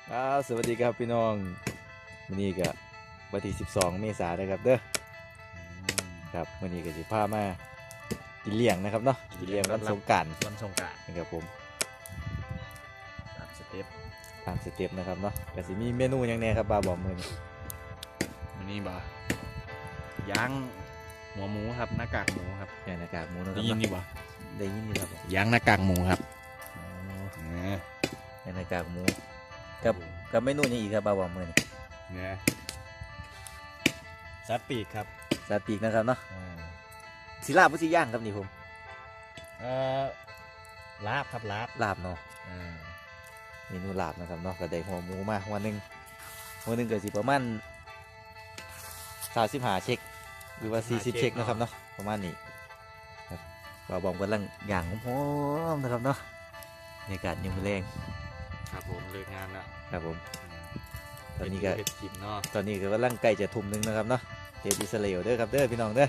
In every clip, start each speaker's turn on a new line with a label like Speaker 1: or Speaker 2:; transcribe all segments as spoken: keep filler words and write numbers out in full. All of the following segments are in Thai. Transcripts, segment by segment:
Speaker 1: ครับสวัสดีครับพี่น้องวันนี้ก็วันที่สิบสองเมษายนนะครับเด้อครับวันนี้ก็สิพามากินเลี้ยงนะครับเนาะกินเลี้ยงวันสงกรานต์
Speaker 2: วันสงกรานต์
Speaker 1: นะครับผม
Speaker 2: ตามสเต็ป
Speaker 1: ตามสเต็ปนะครับเนาะก็สิมีเมนูหยังแน่ครับบาบอกมือนี้
Speaker 2: วันนี้บ่ย่างหัวหมูครับหน้ากากหมูครับ
Speaker 1: ย่างหน้ากากหมูนะค
Speaker 2: ได้
Speaker 1: รับ
Speaker 2: ยิน
Speaker 1: เนาะ
Speaker 2: ดีบ่
Speaker 1: ได้ยินอยู่ครับ
Speaker 2: ย่างหน้ากากหมูครับ
Speaker 1: อ๋อ
Speaker 2: เนี่ย
Speaker 1: ย่างหน้ากากหมูกับกับเมนูหยังอีกครับบาบอกมือนี้
Speaker 2: เนี่ยซัดปีกครับ
Speaker 1: สาติกนะครับเนาะสิลาบบ่สิย่างครับนี่ผม
Speaker 2: เอ่อลาบครับลาบ
Speaker 1: ลาบเนาะ
Speaker 2: อ่า
Speaker 1: เมนูลาบนะครับเนาะก็ได้หัวหมูมาหัวหนึงหัวหนึงก็สิประมาณสามสิบห้าเช็คหรือว่าสี่สิบเช็คนะครับเนาะประมาณนี้ครับบ่าวบอมกำลังย่างหอมๆนะครับเนาะบรรยากาศยามมื้อแลง
Speaker 2: ครับผมเลิกงานแล้ว
Speaker 1: ครับผมตอนนี้ก็
Speaker 2: เฮ็ดกินเนาะ
Speaker 1: ตอนนี้ก็กำลังใกล้จะทุ่มหนึงนะครับเนาะเฮ็ดอิสราเอลเด้อครับเด้อพี่น้องเด้อ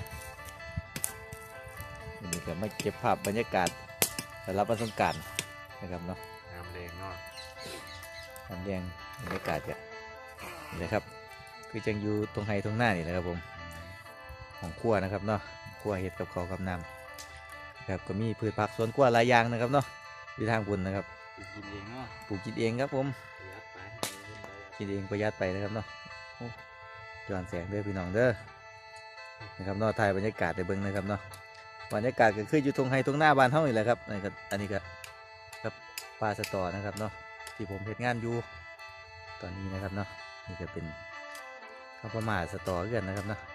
Speaker 1: วันนี้ก็มาเก็บภาพบรรยากาศสำหรับวันสงกรานต์นะครับเนาะ
Speaker 2: น้ำแรงเนาะ
Speaker 1: ทำเรียงบรรยากาศกันนี่นะครับคือจังอยู่ตรงไฮตรงหน้านี่แหละครับผมของครัวนะครับเนาะครัวเห็ดกับข้าวกับน้ำครับก็มีพืชผักสวนครัวหลายอย่างนะครับเนาะอยู่ทางบุญนะครับ
Speaker 2: กินเองเนาะ
Speaker 1: ปลูกกินเองครับผม
Speaker 2: ประหยัดไป
Speaker 1: กินเองประหยัดไปนะครับเนาะโอ้ย้อนแสงเด้อพี่น้องเด้อนะครับเนาะถ่ายบรรยากาศในเบิ้งนะครับเนาะบรรยากาศก็คืออยู่ตรงไฮตรงหน้าบ้านเฮานี่แหละครับนี่ก็อันนี้ก็กับปลาสตอนะครับเนาะที่ผมเฮ็ดงานอยู่ตอนนี้นะครับเนาะนี่ก็เป็นข้าวปลาหม่าสตอกันนะครับเนาะ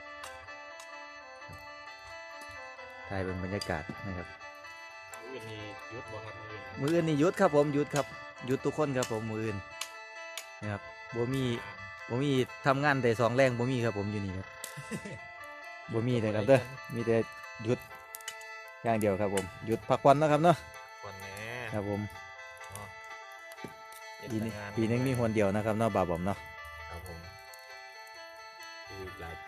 Speaker 1: ถ่ายเป็นบรรยากาศนะครับ
Speaker 2: มื้อนี้หยุดบ่ครับมื้อนี้
Speaker 1: มืออื่นนี่หยุดครับผมหยุดครับหยุดทุกคนครับผมมืออื่นนะครับบ่มีบ่มีทำงานแต่สองแรงบ่มีครับผมอยู่นี่ครับ บ่มีเลยครับเด้อมีแต่หยุดอย่างเดียวครับผมหยุดพักผ่อนเนาะครับเนาะ
Speaker 2: วันแหน่
Speaker 1: ครับผม
Speaker 2: เนาะเฮ็ด
Speaker 1: ปีนี้
Speaker 2: แต่งา
Speaker 1: ปีนึงมีหนเดียวนะครับเนาะบ่าวบอมเนาะ
Speaker 2: ครับผมคือหลายปี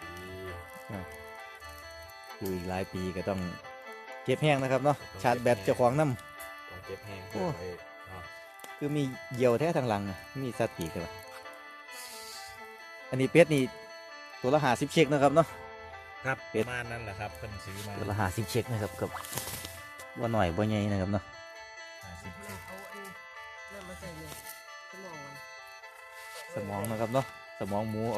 Speaker 1: อยู่อีกหลายปีก็ต้องเก็บแห้งนะครับเนาะชาร์จแบตเจ้าของน้
Speaker 2: ต้องเก็บแห้ง
Speaker 1: โอ้
Speaker 2: เพื่อไว้เนาะ
Speaker 1: ำคือมีเหยี่ยวแท้ทางหลังอะมีสัตว์ปีกเลยอันนี้เป็ดนี่ตัวละห้าสิบเช็คนะครับเนาะ
Speaker 2: ครับ
Speaker 1: เป็
Speaker 2: ป
Speaker 1: ด
Speaker 2: ระมาณนั้นแหละครับเพิ่นซื้อมา
Speaker 1: ตัวละห้าสิบเช็คนะครับกับว่าหน่อยว่าใหญ่นะครับเนาะ
Speaker 2: ห้าสิบ
Speaker 3: เอาอันนั่นมาใส่เลยสมองมัน
Speaker 1: สมองนะครับเนาะสมองหมูเอา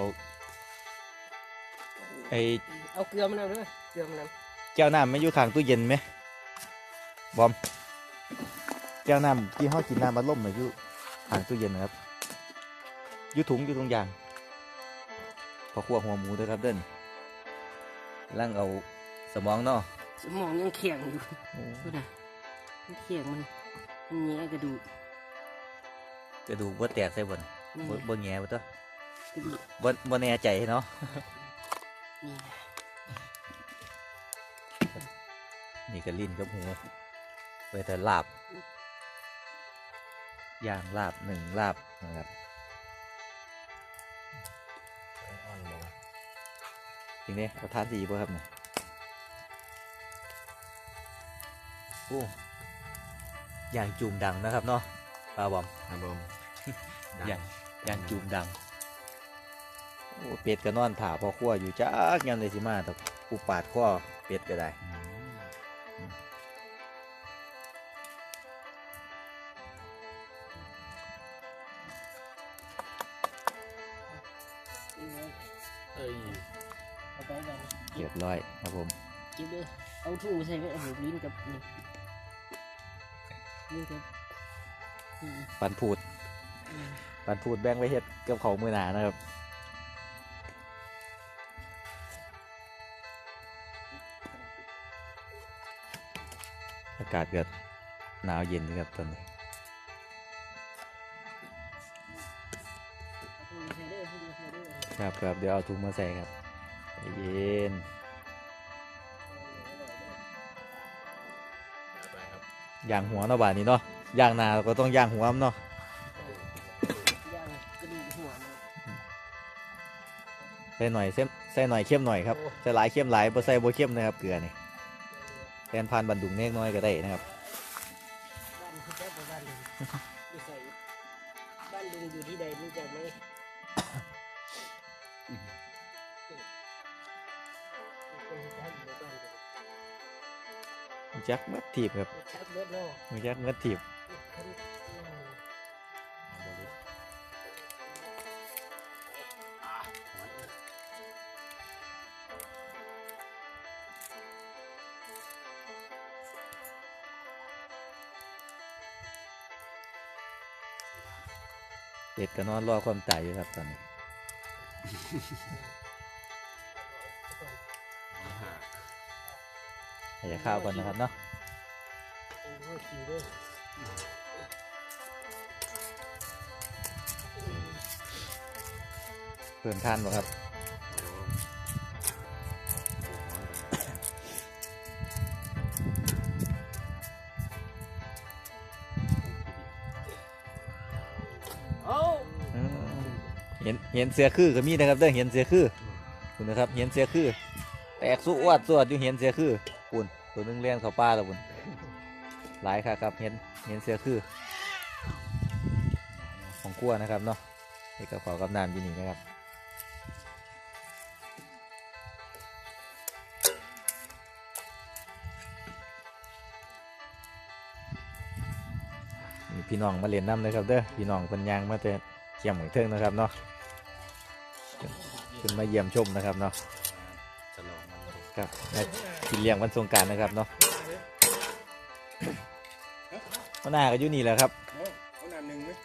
Speaker 1: ไอ
Speaker 3: เอาเกลือมันเอาด้วยเกลือมันเอา
Speaker 1: แก้วน้ำไม่อยู่ข้างตู้เย็นไหมบอมแก้วน้ำที่ห้อกินน้ำมันล่มน่ะอยู่ข้างตู้เย็นนะครับอยู่ถุงอยู่ตรงยางพอคั่วหัวหมูด้วยครับเด้นล่างเอาสมองเนาะ
Speaker 3: สมองยังแข็งอยู่ดูนะมันแข็งมันมันแงะกระดูก
Speaker 1: กระดูกบ่แตกใส่บน
Speaker 3: นี่
Speaker 1: บ่บ่แง่บ่ตัว
Speaker 3: กระดูก
Speaker 1: บ่บ่แน่ใจเนาะ
Speaker 3: นี่
Speaker 1: นี่ก็ลิ้นกับหูไปแต่ลาบย่างลาบหนึ่งลาบนะครับ
Speaker 2: ไว้อ่อนลง
Speaker 1: จริงเนี่ยเอาทานดีป่ะครับเนี่ยโอ้ย่างจูมดังนะครับเนาะปลาบอม
Speaker 2: ครับผม
Speaker 1: ย่างย่างจูมดังโอ้เป็ดก็นอนถ่าพอขั้วอยู่จ้ากยามเลยสิมาแต่กูปาดข้อเป็ดก็ได้
Speaker 2: อืม
Speaker 3: นี่ไง
Speaker 2: เอ้ย
Speaker 3: เอาไปไป
Speaker 1: เรียบร้อยครับผม
Speaker 3: เก็บเลยเอาถุงมาใส่ไว้เอาลิ้นกับนี่ลิ้นกับอืม
Speaker 1: ปันพูด
Speaker 3: อืม
Speaker 1: ปันพูดแบ่งไว้เฮ็ดกับเขาวมือหนานะครับอากาศเกิดหนาวเย็นนะครับตอนนี้
Speaker 3: เอาถุงมาใส่ด้วยเอาถุงมาใส่ด้วย
Speaker 1: ครับครับเดี๋ยวเอาถุงมาใส่ครับใจเย็น
Speaker 2: ไปครับ
Speaker 1: ย่างหัวเนาะบาดนี้เนาะย่างหนาก็ต้องย่างหัวมันเนาะ
Speaker 3: ย่างกระดูกหัวมัน
Speaker 1: ใส่หน่อยเส้นใส่หน่อยเข้มหน่อยครับใส่หลายเข้มหลายบ่ใส่บ่เข้มนะครับเกลือนี่แทนพันบันดุงเล็กน้อยก็ได้นะครับ
Speaker 3: บ้านคือแจ๊บบ้านเลยไม่ใส่บ้านบ้านลุงอยู่ที่ใดรู้จักไหมคนรู้จักอยู่ในบ้านผม
Speaker 1: จักมัดถีบครับ
Speaker 3: รู้จักเบิดเนาะ
Speaker 1: จักมัดถีบ
Speaker 3: คนอืม
Speaker 1: เป็ดก็นอนรอความตายอยู่ครับตอนนี้ให้จะข้าวก่อนนะครับเนาะ
Speaker 3: โอ้โหคิวด้วย
Speaker 1: เพิ่มทานบ่ครับอืมเห็นเห็นเสือคือก็มีนะครับเด้อเห็นเสือคือคุณนะครับเห็นเสือคือแตกสู้อวดสวดอยู่เห็นเสือคือปุ่นตัวหนึงเลี้ยนเข้าป่าแล้วปุ่นหลายค่ะครับเห็นเห็นเสือคือของกลัวนะครับเนาะนี่กระเป๋ากับน้ำอยู่นี่นะครับมีพี่น้องมาเรียนน้ำเลยครับเด้อพี่น้องเป็นยางมาแต่เขี่ยมของเทิงนะครับเนาะขึ้นมาเยี่ยมชมนะครับเนาะ
Speaker 2: ฉลองมันเลย
Speaker 1: ครับและกินเลี้ยงวันสงกรานต์นะครับเนาะหัวหน้าก็อยู่นี่แหละครับ
Speaker 4: เอาเอาน้ำหนึ่งไหม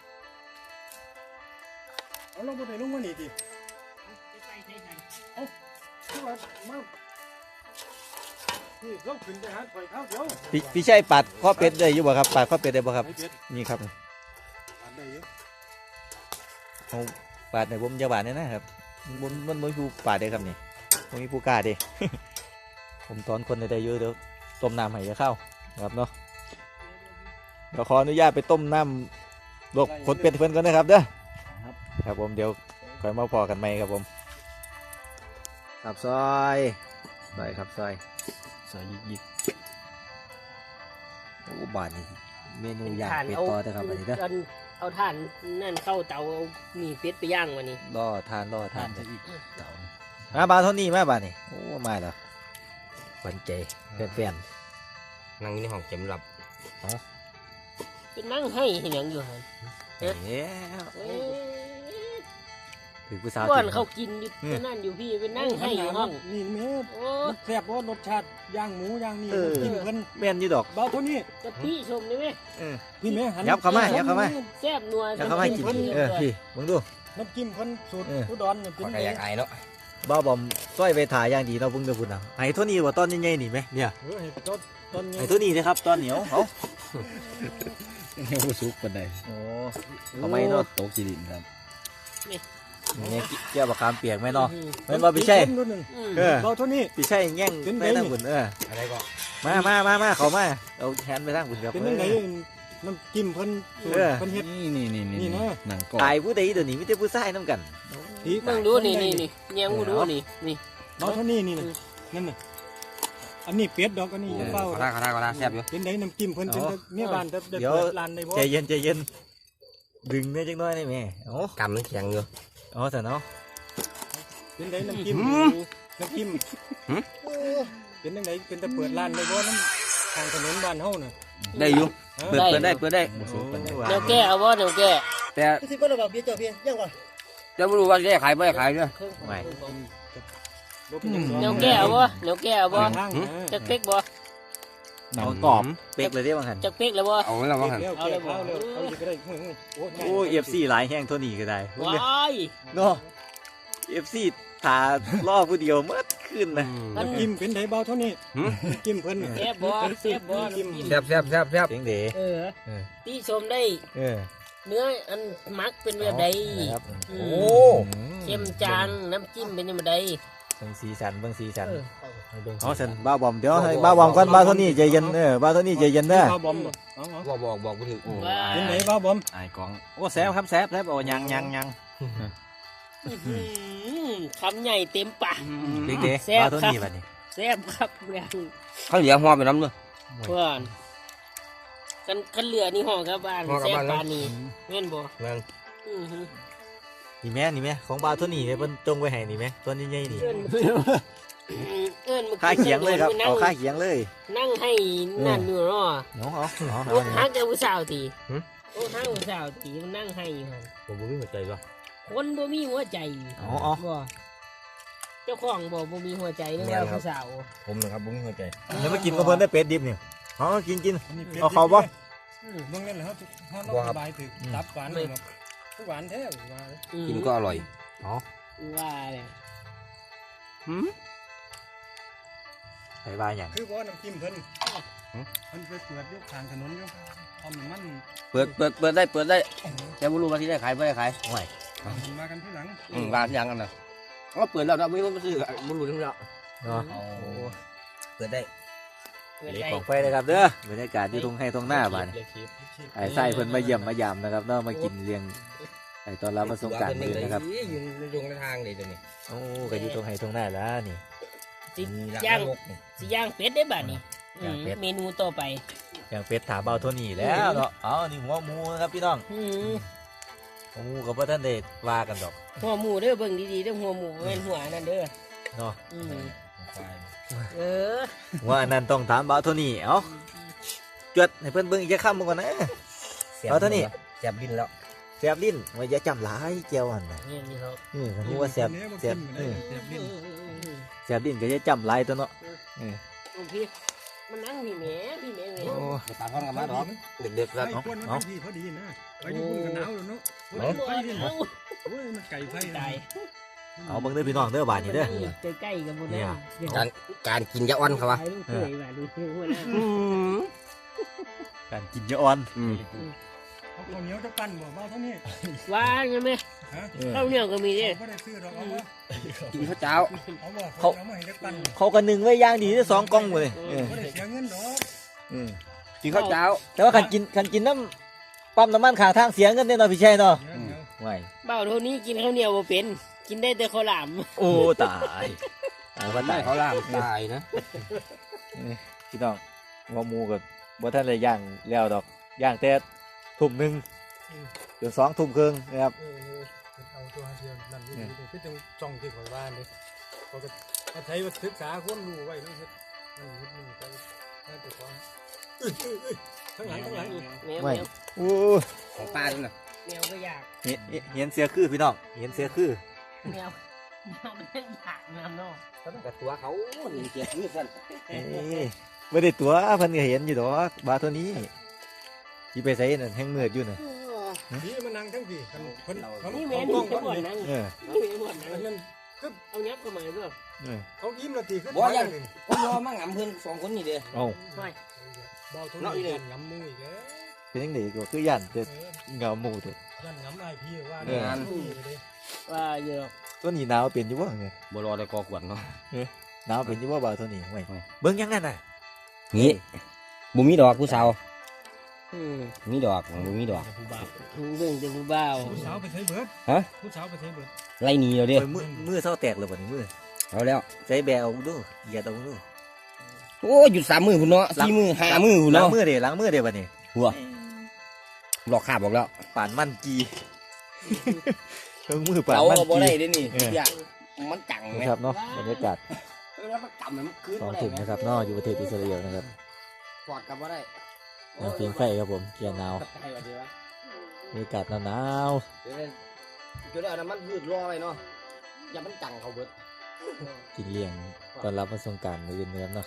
Speaker 4: เอาลงบนไหนลงมานี่ดิคือว่ามานี่ลงขึ้นไปหาถอยเท้าเดียว
Speaker 1: พี่พี่ชัยปัดข้อเป็ดได้อยู่บ่ครับปัดข้อเป็ดได้บ่ครับ
Speaker 4: ไอ้เป็ด
Speaker 1: นี่ครับ
Speaker 4: อันใดเยอะ
Speaker 1: เอาปาดในผมจะบาดเนี่ยนะครับบนบนบนผู้ปาดได้ครับนี่ผมมีผู้กล้าเด้ ผมตอนคนได้เยอะเดี๋ยวต้มน้ำให้จะเข้าครับเนาะเดี๋ยวขออนุญาตไปต้มน้ำลวกขนเป็ดเพิ่นก่อนนะครับเด้อครับผมเดี๋ยวค่อยมาพอกันใหม่ครับผมครับซอยซอยครับซอยซอยยิกยิกโอ้บาดนี่เมนูย่างเป็ดต่อเด้อครับอันนี้เด้อ
Speaker 3: เอาเอาถ่านนั่นเข้าเตาเอาหมี่เป็ดไปย่างวันนี้
Speaker 1: รอทานรอทานมาบาเท่านี้มาบานี่โอ้มาแล้วหวันใจแฟน
Speaker 5: นั่งอยู่ในห้องเข็มหลับ
Speaker 3: เป็นนั่งให้เห็นอย่างอยู่หัน
Speaker 1: ๆเอ๊ะ
Speaker 3: เอ้ย
Speaker 1: ถือผู้สาว
Speaker 3: ก้อน
Speaker 1: จริง
Speaker 3: เขากินอยู่ที่นั่นอยู่พี่เป็นนั่งให้อยู่ห้อง
Speaker 4: นี่แม่
Speaker 3: โอ้
Speaker 4: มันแซ่บว่ารสชาติย่างหมูย่างนี่กินเพิ่น
Speaker 1: แม่นอยู่ดอก
Speaker 4: เบาเท่านี้
Speaker 3: จะพี่ชมได้ไหม
Speaker 1: เออ
Speaker 4: พี่แม่หัน
Speaker 1: ยับเข้ามายับเข้ามา
Speaker 3: แซ่บนัว
Speaker 1: แล้วเขาให้กินเออพี่มึงดู
Speaker 4: น้ำจิ้มเพิ่นสูตร
Speaker 1: เออ
Speaker 4: อุดรเนี่ยเป็น
Speaker 5: ปากกา
Speaker 4: ไง
Speaker 5: ยากอายเนาะ
Speaker 1: บ้าบอมต้อยไปถ่ายอย่างดีเนาะเพิ่งจะพูดนะไอ้เท่านี้ว่าตอนใหญ่ๆนี่ไหมเนี่ย
Speaker 4: เออเห็ดต้นต้น
Speaker 1: ไอ้เท่านี้นะครับตอนเหนียวเขา
Speaker 5: ยังบ่สุกปานใด
Speaker 1: โอ้เขาไม่เนาะ
Speaker 5: ตกจีดินครับ
Speaker 1: เนี่ยเกี่ยวกับคามเปียกไหมเนาะแม่นว่าพี่ชัย
Speaker 4: ต้นหนึ่ง
Speaker 3: อืม
Speaker 1: เออ
Speaker 4: เบาเท่านี้
Speaker 1: พี่ชัยแง่ง
Speaker 4: เป็น
Speaker 1: ไป
Speaker 4: ไง
Speaker 1: ทางบุญเออ
Speaker 5: อะไรก็
Speaker 1: มามามามาเขามาเอาแฮนไปทางบุญครับ
Speaker 4: เป็นยังไงน้ำจิ้มเพิ่นสูตร
Speaker 1: เออ
Speaker 4: เพิ่นเฮ็ด
Speaker 5: นี่นี่นี่
Speaker 4: นี่นะ
Speaker 5: หนังกรอบ
Speaker 1: ตายผู้ใดเดี๋ยวนี้ไมแต่ได้ผู้ชายน้ำกัน
Speaker 4: ผี
Speaker 3: มึงดูนี่นี่นี่เนียงกูดูนี่นี่
Speaker 4: เบาเท่านี้นี่นะนั่นน่ะอันนี้เป็ดดอกอันนี้
Speaker 5: เออ
Speaker 4: เบา
Speaker 5: ขอทาขอทาขอทาแซ่บอยู่
Speaker 4: เป็นไดน้ำจิ้มเพิ่นเป็นแต่เมียบ้านแต่แต่
Speaker 1: เดี๋ยว
Speaker 4: เปิดร้านได้บ่
Speaker 1: ใจเย็นใจเย็นดึงเนี่ยจังน้อยนี่แม่โอ้
Speaker 5: กำมันแข็งอยู่
Speaker 1: อ๋อแต่เนาะ
Speaker 4: เป็นไดน้ำจิ้มน้ำจิ้ม
Speaker 5: หืม
Speaker 4: โอ้เป็นจังไดเป็นแต่เปิดร้านได้บ่น้ำทางถนนบ้านเฮาน่ะ
Speaker 5: ได้อยู่
Speaker 4: ฮะ
Speaker 5: เปิดเปิดได้เปิดได้
Speaker 1: บ่สุกปานใด
Speaker 3: เดี๋ยวแก้เอาบ่เดี๋ยวแก้
Speaker 5: แต่
Speaker 4: สิบ่ได้บอกเบี้ยเจ้าพี่ยังก่อน
Speaker 5: จะไม่รู้ว่าจะขายไม่ขายเด้อ
Speaker 1: ไม่
Speaker 4: บ่เป็นหยัง
Speaker 3: เดี๋ยวแก้เอาบ่เดี๋ยวแก้เอาบ่
Speaker 4: ทาง
Speaker 3: จักเป๊กบ่
Speaker 1: หนังกรอบเป๊กเลยเด้บางหัน
Speaker 3: จักเป๊กแล้วบ่
Speaker 5: เอาไว้แล้วว่าหัน
Speaker 4: เอา
Speaker 3: เอาเลยบ่
Speaker 4: เอาเลยเอาเลยก็ได้โอ้ยโอ้ย
Speaker 1: โอ้เอฟซีหลายแห้งเท่านี้ก็ได้
Speaker 3: ว้าย
Speaker 1: เนาะเอฟซีถาล่อผู้เดียวเมื่อขึ้นนะ
Speaker 4: น้ำจิ้มเป็นไดเบาเท่านี้
Speaker 5: หืม
Speaker 4: น้ำจิ้มเพิ่น
Speaker 3: แซ่บบ่แซ่บบ่น้ำจิ้ม
Speaker 5: แซ่บแซ่บแซ่บแซ่บ
Speaker 1: เสียงเด๋
Speaker 3: เออ
Speaker 1: เออ
Speaker 3: ที่ชมได้
Speaker 1: เออ
Speaker 3: เนื้ออันมักเป็นแบบใด
Speaker 1: นะครับ
Speaker 3: อื
Speaker 5: โอ้
Speaker 3: มเข้มจางน้ำจิ้มเป็นแบบใด
Speaker 1: เบิ่งสีสันเบิ่งสีสัน
Speaker 3: เออ
Speaker 1: อ๋อสันบ้าบอมเดี๋ยวให้บ้าบอมก่อนบ้าเท่านี้ใจเย็นเออบ้าเท่านี้ใจเย็นเด้อ
Speaker 4: เบาบอมบ่เอาเอา
Speaker 5: บอกบอกบอกกูถึง
Speaker 3: ว้า
Speaker 4: เป็นไดเบาบอม
Speaker 2: ไอ้กอง
Speaker 1: โอ้แซบครับแซบแซบโอ้ยังยังยัง
Speaker 3: อื้อหือคำใหญ่เต็มปาก
Speaker 1: เด็กเด๋
Speaker 3: แซ่บ
Speaker 1: บ้าเท่า
Speaker 3: ครับ
Speaker 1: นี้บัดนี้
Speaker 3: แซ่บครับแรง
Speaker 5: เขาเหลียหัวไปน้ำเลย
Speaker 3: เพื่อนกันกันเหลือนี่ห่อกลับบ้าน
Speaker 5: ห่อกลับ
Speaker 3: แซ่บ
Speaker 5: บ้าน
Speaker 3: ปานนี้แม่นบ่
Speaker 5: แม่น
Speaker 3: อือฮึ
Speaker 1: นี่แม่นี่แม่ของบาวตัวนี้เนี่ยเพิ่นจงไว้ให้นี่แม่ตัวนี้ใหญ่นี่
Speaker 3: เอิ้นเอิ้นมื่อ
Speaker 1: ค่าเขียงเลยครับ
Speaker 3: นั่
Speaker 1: เอา
Speaker 3: ง
Speaker 1: ค่าเขียงเลย
Speaker 3: นั่งให้นั่นอยู่เนาะ
Speaker 1: เอาเอาเอา
Speaker 3: โอ้
Speaker 1: เอา
Speaker 3: ฮักกับผู้สาวตี
Speaker 1: หึ
Speaker 3: โอ้ฮักกับผู้สาวตีมันนั่งให้อยู่หั่น
Speaker 5: ผมบ่มีหัวใจหรอก
Speaker 3: คนบ่มีหัวใจ
Speaker 1: เอาเอา
Speaker 3: บ่เจ้าของบ่บ่มีหัวใจเรื่องว่าผู้สาว
Speaker 5: ผมนะครับบ่มีหัวใจ
Speaker 1: เดี๋ยวมากินกับเพิ่นได้เป็ดดิบนี่เอากินกิน
Speaker 4: อันนี้ป็ด
Speaker 1: เอาเข้าบ่
Speaker 3: อืม
Speaker 4: เบิ่งนั่นแหละครับถ้าเราสบายถึกตับหวานเลยเนาะหวานแท้หวาน
Speaker 3: อืม
Speaker 5: กินก็อร่อย
Speaker 3: ว่าเลย
Speaker 5: หืม
Speaker 1: ใส่บาอย่าง
Speaker 4: คือว่าน้ำจิ้มเพิ่นเพิ่นไปเปิดอยู่ข้างถนนอยู่ทำมัน
Speaker 5: เปิดเปิดเปิดได้เปิดได้แต่บ่รู้ว่าที่ได้ขายบ่ได้ขาย
Speaker 1: ห่วย
Speaker 4: มันมากันที่หลัง
Speaker 5: อืมวางที่ยังกันน่ะก็เปิดแล้วนะไม่ต้องไปซื้อบ่รู้ทั้งแล้ว
Speaker 1: เนาะ
Speaker 5: เปิดได้
Speaker 3: เปิด
Speaker 1: เล็ก
Speaker 3: ได้
Speaker 1: ของไฟเลยครับเด้อบรรยากาศที่ทุ่งให้ทุ่งหน้าบ้านนี่ไอ้ไส้เพิ่นมาเยี่ยมมายามนะครับเนาะมากินเลี้ยงไอ้ตอนรับมาสงกรารเพิ่นนะครับ
Speaker 5: อยู่ในดงในทางนี่ตัวนี้
Speaker 1: โอ้ก็อยู่ทุ่งให้ทุ่งหน้าแล้วนี่
Speaker 3: สิ
Speaker 5: มี
Speaker 3: ย่าง
Speaker 5: นกนี่
Speaker 3: สิย่างเป็ดได้บัดนี้
Speaker 1: ย่างเป็ด
Speaker 3: อืมเมนูต่อไป
Speaker 1: อย่างเป็ดถาเบาเท่านี้แล้วเนาะเอานี่หัวหมูนะครับพี่น้อง
Speaker 3: อืม
Speaker 1: หัวหมูกับพ่ท่านเดชว่ากันดอก
Speaker 3: หัวหมูเด้อเบิ่งดีๆเด้อหัวหมูแม่นหัวนั่นเด้อ
Speaker 1: เนาะ
Speaker 3: อืม
Speaker 5: ควาย
Speaker 3: เออ
Speaker 1: ว่าอันนั้นต้องถามเบาเท่านี้เอ้าจวดให้เพิ่นเบิ่งอีกจะค้ำมึงก่อนนะ เอาเท่านี้
Speaker 5: แซ่บดินแล้ว
Speaker 1: แซ่บลิ้นว่าอย่าจำหลายเจียวอันน่ะ
Speaker 3: นี่นี่ครับ
Speaker 1: อือรู้ว่าแซ่บแซ่บเออ
Speaker 4: แซ่บลิ้น
Speaker 1: แซ่บลิ้นก็อย่าจำหลายตัวเนาะ
Speaker 3: โอ้พี่มันนั่งพี่แหม่พี่แหม่แหม่
Speaker 1: โอ้
Speaker 5: ตามกันกับมาดอกเด็กๆแล้ว
Speaker 4: ไอ้คนมันพอดีพอดีนะไปอยู่บนกันหนาวแล้วเนาะ
Speaker 3: มันบ่
Speaker 4: ไฟดิน
Speaker 3: เอา
Speaker 4: โอ้ยมันไก่ไฟ
Speaker 3: ตาย
Speaker 1: เอาเบิ่งเด้อพี่น้องเด้อบาดนี้เด้อ
Speaker 3: ใกล้ๆกับบ่
Speaker 1: เนี่
Speaker 3: ได้
Speaker 1: ย
Speaker 5: การการกินยาอ่อนครับวะ
Speaker 3: ถ่ายรูปเคยว่าดูคือหัวหน้า
Speaker 1: การกินยาอ่อน
Speaker 5: อืม
Speaker 4: เอาข้าวเหนียวจะปั้นบ่เบาเท่านี้
Speaker 3: ว่าใช่ไหม
Speaker 4: ฮะ
Speaker 3: ข้าวเหนียวก็มีเด้
Speaker 4: เขาไม่ได้ซื้อหรอกเอาบ่
Speaker 5: กินข้าวเจ้า
Speaker 4: เอาบ่เขาเอามาให้ได้ปั้น
Speaker 1: เขาก็นึ่งไว้อย่างดีเด้อสองกล่องหมดเลยเออ
Speaker 4: ไม่ได้เสียเงินดอก
Speaker 1: อืม
Speaker 5: กินข้าวเจ้า
Speaker 1: แต่ว่าคันกินคันกินน้ำปั๊มน้ำมันข้างทางเสียเงินแน่นอนพี่ชัยเนาะ
Speaker 4: เดี๋ยวเดี๋ยว
Speaker 1: ไหว
Speaker 3: เบ้าเท่านี้กินข้าวเหนียวบ่เป็น กินได้แต่ข้าวหลาม
Speaker 1: โอ้ตายตายว่า
Speaker 5: ได้
Speaker 1: ตาย
Speaker 5: เขาล่ามตายนะ
Speaker 1: พี่น้องหัวหมูกับบ่ท่านเลยย่างแล้วดอกย่างแต่ทุ่มหนึ่งจนสองทุ่มครึ่งนะครับ
Speaker 4: เออเอาตัวเดียวนั่นนี่นี่คือจังจ้องที่ข่อยบ้านเลยเขาก็ถ้าใช้ว่าศึกษาความรู้ไว้แล้วเฮ็ดนั่นเฮ็ดนี่ไปนั่นตัวของเอ้ยเอ้ยเอ้ยข้างหลังข้างหลัง
Speaker 3: แมว
Speaker 1: ไม่
Speaker 3: แมว
Speaker 1: โอ้
Speaker 5: ของป้าด้วยนะ
Speaker 3: แมวก็อยาก
Speaker 1: เห็นเห็นเสียคือพี่น้องเห็นเสียคือ
Speaker 3: แมวแมวมันอยากแมวเนาะ
Speaker 5: กับตัวเขาหนึ่งเจ็ดนี่สั่น
Speaker 1: เอ้ยไม่ได้ตัวเพิ่นก็เห็นอยู่ดอกบาเท่านี้ที่ไปใส่นั่นแห้งมืดอยู่น่ะ
Speaker 4: พี่มานั่งทั้งพี่คนคนเขา
Speaker 3: นี่แม
Speaker 4: เขา
Speaker 3: ว
Speaker 4: กล้
Speaker 3: นี่
Speaker 4: อง
Speaker 3: จะ
Speaker 4: เขา
Speaker 3: บ่นนั่ง
Speaker 1: เออ
Speaker 3: นี่แมวบ่นนั่ง
Speaker 4: อันนั้น
Speaker 3: เอายับเข้ามาเด้อ
Speaker 1: เออ
Speaker 4: เขายิ้มละตีขึ้น
Speaker 5: บ่ยังผมรอมั่งอ่ำเพื่อนสองคนนี่เด้
Speaker 1: เอา
Speaker 3: ไม่
Speaker 4: เบาทุนนี่ยันงำมืออีกแล้ว
Speaker 1: เป็นยังไงก็คือย่านแต่
Speaker 4: เออ
Speaker 1: เงาหมูเถอะ
Speaker 4: ยันงำไอพี่ว่า
Speaker 1: เออ
Speaker 4: งานมือเลย
Speaker 3: ว่าเยอะ
Speaker 1: ตัวนี้หนาวเป็นอยู่บ่ไง
Speaker 5: บ่รอได้กอขวดเนาะ
Speaker 1: หนาวเป็นอยู่บ่บ่าวตัวนี้ไว้เบิ่งยังงั้นน่ะ
Speaker 5: งี้บุมีดอกผู้สาว
Speaker 3: อืม
Speaker 5: มีดอกบุมีดอก
Speaker 4: ผู้บ่าว
Speaker 3: เบิ่งแต่ผู้บ่าว
Speaker 4: ผู้สาวไปใช้เบิร์ด
Speaker 5: ฮะ
Speaker 4: ผู้สาวไปใช้เบิร์ด
Speaker 5: ไล่หนีเราเด้
Speaker 1: โอ้ยมือมือเศร้าแตกเลยบ่นี่มือ
Speaker 5: เอาแล้ว
Speaker 1: ใช้แบเอาดูเหยียดเอาดู
Speaker 5: โอ้หยุดสามมือคุณเนาะสี่มือห้ามือคุณ
Speaker 1: ล้าง
Speaker 5: เนาะ
Speaker 1: มือเด้ล้างมือเด้บัดนี้
Speaker 5: หัวหลอกขาบบอกแล้ว
Speaker 1: ป่านมันกีเครื่องมือป่าน
Speaker 5: เรา
Speaker 1: มัน
Speaker 5: บ่ได้
Speaker 1: กี
Speaker 5: เด้นี่
Speaker 1: เออ
Speaker 5: อย่ามันจังไหม
Speaker 1: นะครับเนาะบรรยากาศ
Speaker 5: เออแล้วมันกำมันคืน
Speaker 1: สอง
Speaker 5: บ่ได้
Speaker 1: ถุง
Speaker 5: ไหม
Speaker 1: นะครับเนาะอยู่ประเทศอิสราเอลนะครับ
Speaker 5: กอดกับบ่ได้
Speaker 1: น้ำเพียงไฟครับผมเกียร์หนาว
Speaker 5: ให้ว่าดีวะ
Speaker 1: บรรยากาศหนาว
Speaker 5: เดี๋ยวเดี๋ยวเอาน้ำมันพืชรอไว้เนาะอย่ามันจังเขาเบิด
Speaker 1: ๆกินเลี้ยงตอนรับวันสงกรานต์มื้ออื่นนะครับเนาะ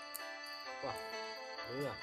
Speaker 5: เออบ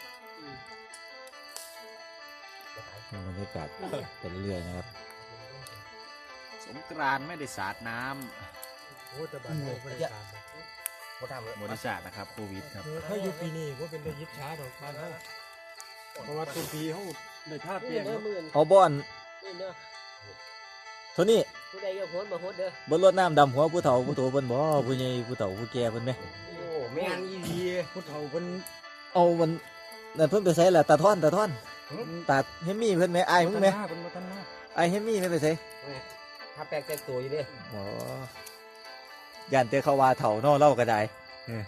Speaker 1: รรยากาศไปเรื่อยๆนะครับ
Speaker 2: สงกรานต์ไม่ได้สาดน้
Speaker 4: โอ้แต่บ้านเราไม่ได้การ
Speaker 5: บ่ทำเลย
Speaker 2: ำบริษัทนะครับโควิดครับ
Speaker 4: ถ้าอยู่ปีนี้ว่าเป็นได้ยิบช้าดอกบ้านเขาเพราะว่าต้นปีเขาได้ท่าเปลี่ยน
Speaker 3: เด้อมื่น
Speaker 1: เอาบ่อน
Speaker 3: นี่เด้อ
Speaker 1: โทนี่
Speaker 3: ผู้ใดอยากโหดบ่โหดเด้อ
Speaker 1: บ่รดน้ำดำหัวผู้เฒ่าผู้โตเพิ่นบ่ผู้ใหญ่ผู้เฒ่าผู้แก่เพิ่นไหม
Speaker 5: โอ้แม่นอีดี
Speaker 4: ผู้เฒ่าเพิ่น
Speaker 1: เอามันนั่นเพิ่นไปใส่ละตาท่อนตาท่อนตาเฮมมี่เพิ่นไหมอายมึงไหม
Speaker 4: เพิ่นมาทันมา
Speaker 1: อายเฮมมี่ไม่ไปใส่
Speaker 5: ถ้าแปลกแต่งตัวอยู่เด้
Speaker 1: อ๋อย่านเตเขาว่าเฒ่าเนาะเล่าก็ได้เอ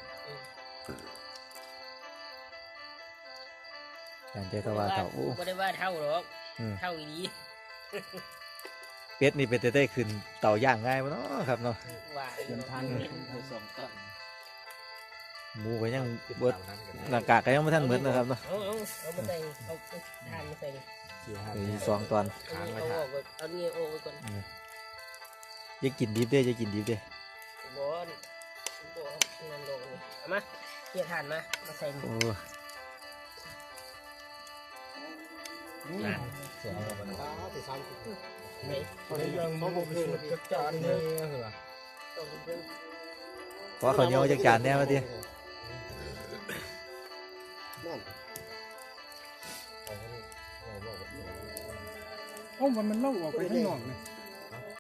Speaker 1: อย่านเตเขาว่าเฒ่าโอ้
Speaker 3: บ่ได้ว่าเท่าหรอก
Speaker 1: อืม
Speaker 3: เท่าอีดี
Speaker 1: เป็ดนี่เป็นแต่ได้ขึ้นเตาย่างง่ายมั้เนาะครับเนาะ
Speaker 3: ว่า
Speaker 5: เดินทางสองตัน
Speaker 1: หมูก็ยังเบิดหน้ากากก็ยังไม่ทันเหมือนนะครับเนาะ
Speaker 3: เอาเอาเอามาใส่เอาทานมาใส่
Speaker 1: มีสองตอน
Speaker 3: เอาเอาออกก่อนเอาเนี่ยโอ้ก่อน
Speaker 1: อย่ากินดิบเด้ออย่ากินดิบเด้อบ
Speaker 3: อลบอลนั่นลงนี่เอามาเกี่ยทานมามาใส่
Speaker 1: โอ้
Speaker 5: เสียแล้วมันตาติดซ้ำ
Speaker 3: ไหน
Speaker 4: คนยังมองบ่คือจักจานนี่เหรอ
Speaker 3: ต้องเพิ่ม
Speaker 1: ขอข้าวเหนียวจากจานแน่มาดิ
Speaker 5: นั่น
Speaker 4: เอ้ามันมันเล่าออกไปข้างนอกนี่